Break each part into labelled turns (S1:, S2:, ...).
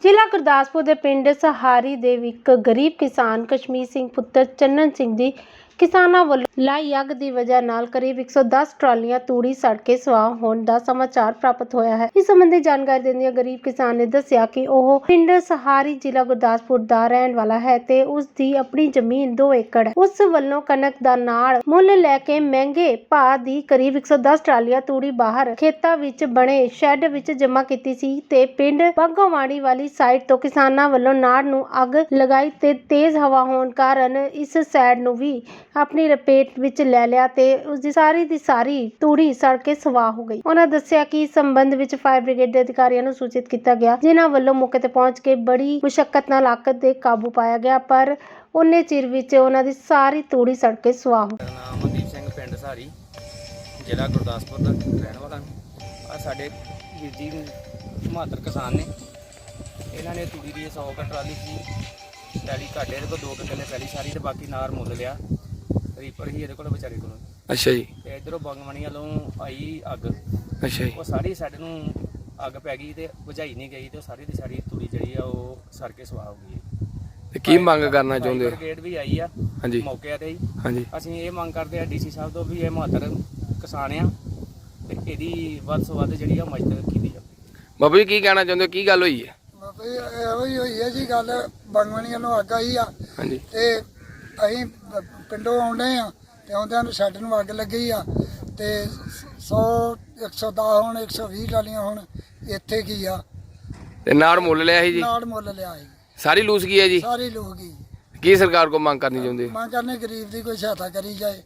S1: ਜ਼ਿਲ੍ਹਾ ਗੁਰਦਾਸਪੁਰ ਦੇ ਪਿੰਡ ਸਹਾਰੀ ਦੇ ਇੱਕ ਗਰੀਬ ਕਿਸਾਨ ਕਸ਼ਮੀਰ ਸਿੰਘ ਪੁੱਤਰ ਚੰਨਨ ਸਿੰਘ ਦੀ ਕਿਸਾਨਾਂ ਵੱਲੋਂ ਲਾਈ ਅੱਗ ਦੀ ਵਜ੍ਹਾ ਨਾਲ ਕਰੀਬ 110 ਟਰਾਲੀਆਂ ਤੂੜੀ ਸੜ ਕੇ ਸੁਆਹ ਹੋਣ ਦਾ ਸਮਾਚਾਰ ਪ੍ਰਾਪਤ ਹੋਇਆ ਹੈ। ਇਸ ਸੰਬੰਧੀ ਜਾਣਕਾਰੀ ਦਿੰਦਿਆਂ ਗਰੀਬ ਕਿਸਾਨ ਨੇ ਦੱਸਿਆ ਕਿ ਉਹ ਪਿੰਡ ਸਹਾਰੀ ਜ਼ਿਲ੍ਹਾ ਗੁਰਦਾਸਪੁਰ ਦਾ ਰਹਿਣ ਵਾਲਾ ਹੈ ਤੇ ਉਸ ਦੀ ਆਪਣੀ ਜ਼ਮੀਨ 2 ਏਕੜ ਹੈ। ਉਸ ਵੱਲੋਂ ਕਣਕ ਦਾ ਨਾੜ ਮੁੱਲ ਲੈ ਕੇ ਮਹਿੰਗੇ ਭਾਅ ਦੀ ਕਰੀਬ 110 ਟਰਾਲੀਆਂ ਤੂੜੀ ਬਾਹਰ ਖੇਤਾਂ ਵਿੱਚ ਬਣੇ ਸ਼ੈੱਡ ਵਿੱਚ ਜਮ੍ਹਾਂ ਕੀਤੀ ਸੀ ਤੇ ਪਿੰਡ ਬਾਗੋਵਾੜੀ ਵਾਲੀ ਸਾਈਡ ਤੋਂ ਕਿਸਾਨਾਂ ਵੱਲੋਂ ਨਾੜ ਨੂੰ ਅੱਗ ਲਗਾਈ ਤੇ ਤੇਜ਼ ਹਵਾ ਹੋਣ ਕਾਰਨ ਇਸ ਸਾਈਡ ਨੂੰ ਵੀ ਆਪਣੀ ਲਪੇਟ ਵਿੱਚ ਲੈ ਲਿਆ ਤੇ ਉਸ ਦੀ ਸਾਰੀ ਤੂੜੀ ਸੜ ਕੇ ਸਵਾਹ ਹੋ ਗਈ। ਉਹਨਾਂ ਦੱਸਿਆ ਕਿ ਇਸ ਸੰਬੰਧ ਵਿੱਚ ਫਾਇਰ ਬ੍ਰਿਗੇਡ ਦੇ ਅਧਿਕਾਰੀਆਂ ਨੂੰ ਸੂਚਿਤ ਕੀਤਾ ਗਿਆ, ਜਿਨ੍ਹਾਂ ਵੱਲੋਂ ਮੌਕੇ ਤੇ ਪਹੁੰਚ ਕੇ ਬੜੀ ਮੁਸ਼ੱਕਤ ਨਾਲ ਅੱਗ ਤੇ ਕਾਬੂ ਪਾਇਆ ਗਿਆ, ਪਰ ਉਹਨੇ ਚਿਰ ਵਿੱਚ ਉਹਨਾਂ ਦੀ ਸਾਰੀ ਤੂੜੀ ਸੜ ਕੇ ਸਵਾਹ ਹੋ ਗਈ।
S2: ਨਾਮ ਮਨਦੀਪ ਸਿੰਘ, ਪਿੰਡ ਸਹਾਰੀ, ਜ਼ਿਲ੍ਹਾ ਗੁਰਦਾਸਪੁਰ ਦਾ ਰਹਿਣ ਵਾਲਾ। ਆ ਸਾਡੇ ਵੀਰ ਜੀ ਬਹਾਦਰ ਕਿਸਾਨ ਨੇ, ਇਹਨਾਂ ਨੇ ਤੂੜੀ ਦੀ 100 ਟਰਾਲੀ ਸੀ ਪੈਲੀ ਘਾਟੇ ਦੇ ਕੋਲ 2 ਕਿੱਲੇ ਪੈਲੀ ਸਾਰੀ ਤੇ ਬਾਕੀ ਨਾਰ ਮੁੱਲ ਲਿਆ। ਰੀਪਰ ਹੀ ਇਹਦੇ ਕੋਲ ਵਿਚਾਰੇ ਕੋਲ। ਅੱਛਾ ਜੀ। ਤੇ ਇਧਰੋਂ ਬੰਗਮਣੀ ਵੱਲੋਂ ਆਈ ਅੱਗ। ਅੱਛਾ ਜੀ। ਉਹ ਸਾਰੀ ਸਾਡੇ ਨੂੰ ਅੱਗ ਪੈ ਗਈ ਤੇ ਬੁਝਾਈ ਨਹੀਂ ਗਈ ਤੇ ਸਾਰੀ ਦੀ ਸਾਰੀ ਤੂੜੀ ਜਿਹੜੀ ਆ ਉਹ ਸੜ ਕੇ ਸਵਾਹ ਹੋ ਗਈ। ਤੇ ਕੀ ਮੰਗ ਕਰਨਾ ਚਾਹੁੰਦੇ ਹੋ? ਬ੍ਰਿਗੇਡ ਵੀ ਆਈ ਆ ਮੌਕੇ ਤੇ ਹੀ। ਹਾਂਜੀ। ਅਸੀਂ ਇਹ ਮੰਗ ਕਰਦੇ ਆ ਡੀਸੀ ਸਾਹਿਬ ਤੋਂ ਵੀ ਇਹ ਬਹਾਦਰ ਕਿਸਾਨ ਆ ਤੇ ਇਹਦੀ ਵੱਧ ਤੋਂ ਵੱਧ ਜਿਹੜੀ ਆ ਮਦਦ ਕੀਤੀ ਜਾਵੇ। ਬਾਬੂ ਜੀ ਕੀ ਕਹਿਣਾ ਚਾਹੁੰਦੇ ਹੋ, ਕੀ ਗੱਲ ਹੋਈ ਹੈ?
S3: ਬਾਬਾ ਜੀ ਇਹੋ ਹੀ ਹੋਈ ਹੈ ਜੀ ਗੱਲ। ਬੰਗਮਣੀ ਵੱਲੋਂ ਅੱਗ ਆਈ ਆ। ਹਾਂਜੀ। ਤੇ ਅਸੀਂ ਪਿੰਡੋਂ ਆਉਂਦੇ ਆ ਤੇ ਆਉਂਦਿਆਂ ਨੂੰ ਸ਼ੈੱਡ ਨੂੰ ਅੱਗ ਲੱਗੀ ਆ ਤੇ 100 110 ਹੁਣ 120 ਟਰਾਲੀਆਂ ਹੁਣ ਇੱਥੇ ਕੀ ਆ
S2: ਤੇ ਨਾੜ ਮੁੱਲ ਲਿਆ ਸੀ ਜੀ?
S3: ਨਾੜ ਮੁੱਲ ਲਿਆ ਸੀ।
S2: ਸਾਰੀ ਲੂਸ ਗਈ ਹੈ ਜੀ?
S3: ਸਾਰੀ ਲੂਸ ਗਈ।
S2: ਕੀ ਸਰਕਾਰ ਕੋ ਮੰਗ ਕਰਨੀ ਚਾਹੁੰਦੇ?
S3: ਮੰਗ ਕਰਨੇ ਗਰੀਬ ਦੀ ਕੋਈ ਸਹਾਇਤਾ ਕਰੀ ਜਾਏ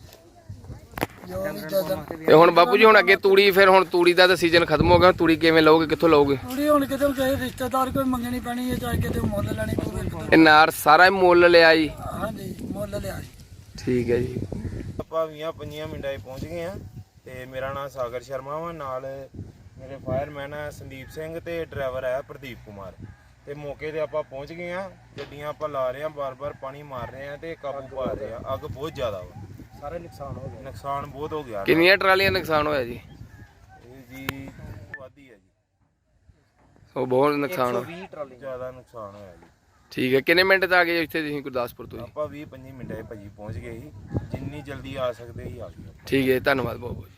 S3: ਜੋ ਵੀ ਜਦਨ।
S2: ਤੇ ਹੁਣ ਬਾਪੂ ਜੀ ਹੁਣ ਅੱਗੇ ਤੂੜੀ, ਫਿਰ ਹੁਣ ਤੂੜੀ ਦਾ ਤਾਂ ਸੀਜ਼ਨ ਖਤਮ ਹੋ ਗਿਆ, ਤੂੜੀ ਕਿਵੇਂ ਲਓਗੇ, ਕਿੱਥੋਂ ਲਓਗੇ?
S3: ਤੂੜੀ ਹੁਣ ਕਿਤੇ ਕਿਸੇ ਰਿਸ਼ਤੇਦਾਰ ਕੋਈ ਮੰਗਣੀ ਪੈਣੀ ਹੈ, ਚਾਹੇ ਕਿਤੇ ਮੁੱਲ ਲੈਣੀ ਪਊਗੀ।
S2: ਇਹ ਨਾੜ ਸਾਰਾ ਮੁੱਲ ਲਿਆ ਜੀ?
S3: ਹਾਂਜੀ ਮੁੱਲ ਲਿਆ ਜੀ।
S2: ਠੀਕ ਹੈ ਜੀ।
S4: ਆਪਾਂ 20-25 ਮਿੰਟਾਂ 'ਚ ਪਹੁੰਚ ਗਏ ਆ ਤੇ ਮੇਰਾ ਨਾਮ ਸਾਗਰ ਸ਼ਰਮਾ ਵਾ, ਨਾਲ ਮੇਰੇ ਫਾਇਰਮੈਨ ਆ ਸੰਦੀਪ ਸਿੰਘ ਤੇ ਡਰਾਈਵਰ ਆ ਪ੍ਰਦੀਪ ਕੁਮਾਰ। ਤੇ ਮੌਕੇ ਤੇ ਆਪਾਂ ਪਹੁੰਚ ਗਏ ਆ, ਗੱਡੀਆਂ ਆਪਾਂ ਲਾ ਰਹੇ ਆ, ਬਾਰ-ਬਾਰ ਪਾਣੀ ਮਾਰ ਰਹੇ ਆ ਤੇ ਕਾਬੂ ਪਾ ਰਹੇ ਆ। ਅੱਗ ਬਹੁਤ ਜ਼ਿਆਦਾ ਵਾ,
S3: ਸਾਰਾ ਨੁਕਸਾਨ ਹੋ ਗਿਆ।
S4: ਨੁਕਸਾਨ ਬਹੁਤ ਹੋ ਗਿਆ।
S2: ਕਿੰਨੀਆਂ ਟਰਾਲੀਆਂ ਨੁਕਸਾਨ ਹੋਇਆ ਜੀ?
S4: ਇਹ ਜੀ ਵਾਦੀ ਹੈ ਜੀ।
S2: ਉਹ ਬਹੁਤ ਨੁਕਸਾਨ ਹੋਇਆ।
S4: 120 ਟਰਾਲੀ ਜ਼ਿਆਦਾ ਨੁਕਸਾਨ ਹੋਇਆ ਜੀ।
S2: ਠੀਕ ਹੈ। ਕਿੰਨੇ ਮਿੰਟ 'ਚ ਆ ਗਏ ਇੱਥੇ ਤੁਸੀਂ ਗੁਰਦਾਸਪੁਰ ਤੋਂ?
S4: ਆਪਾਂ 20-25 ਮਿੰਟਾਂ 'ਚ ਭਾਜੀ ਪਹੁੰਚ ਗਏ ਸੀ। ਜਿੰਨੀ ਜਲਦੀ ਆ ਸਕਦੇ ਸੀ ਆ ਗਏ।
S2: ਠੀਕ ਹੈ, ਧੰਨਵਾਦ ਬਹੁਤ ਬਹੁਤ।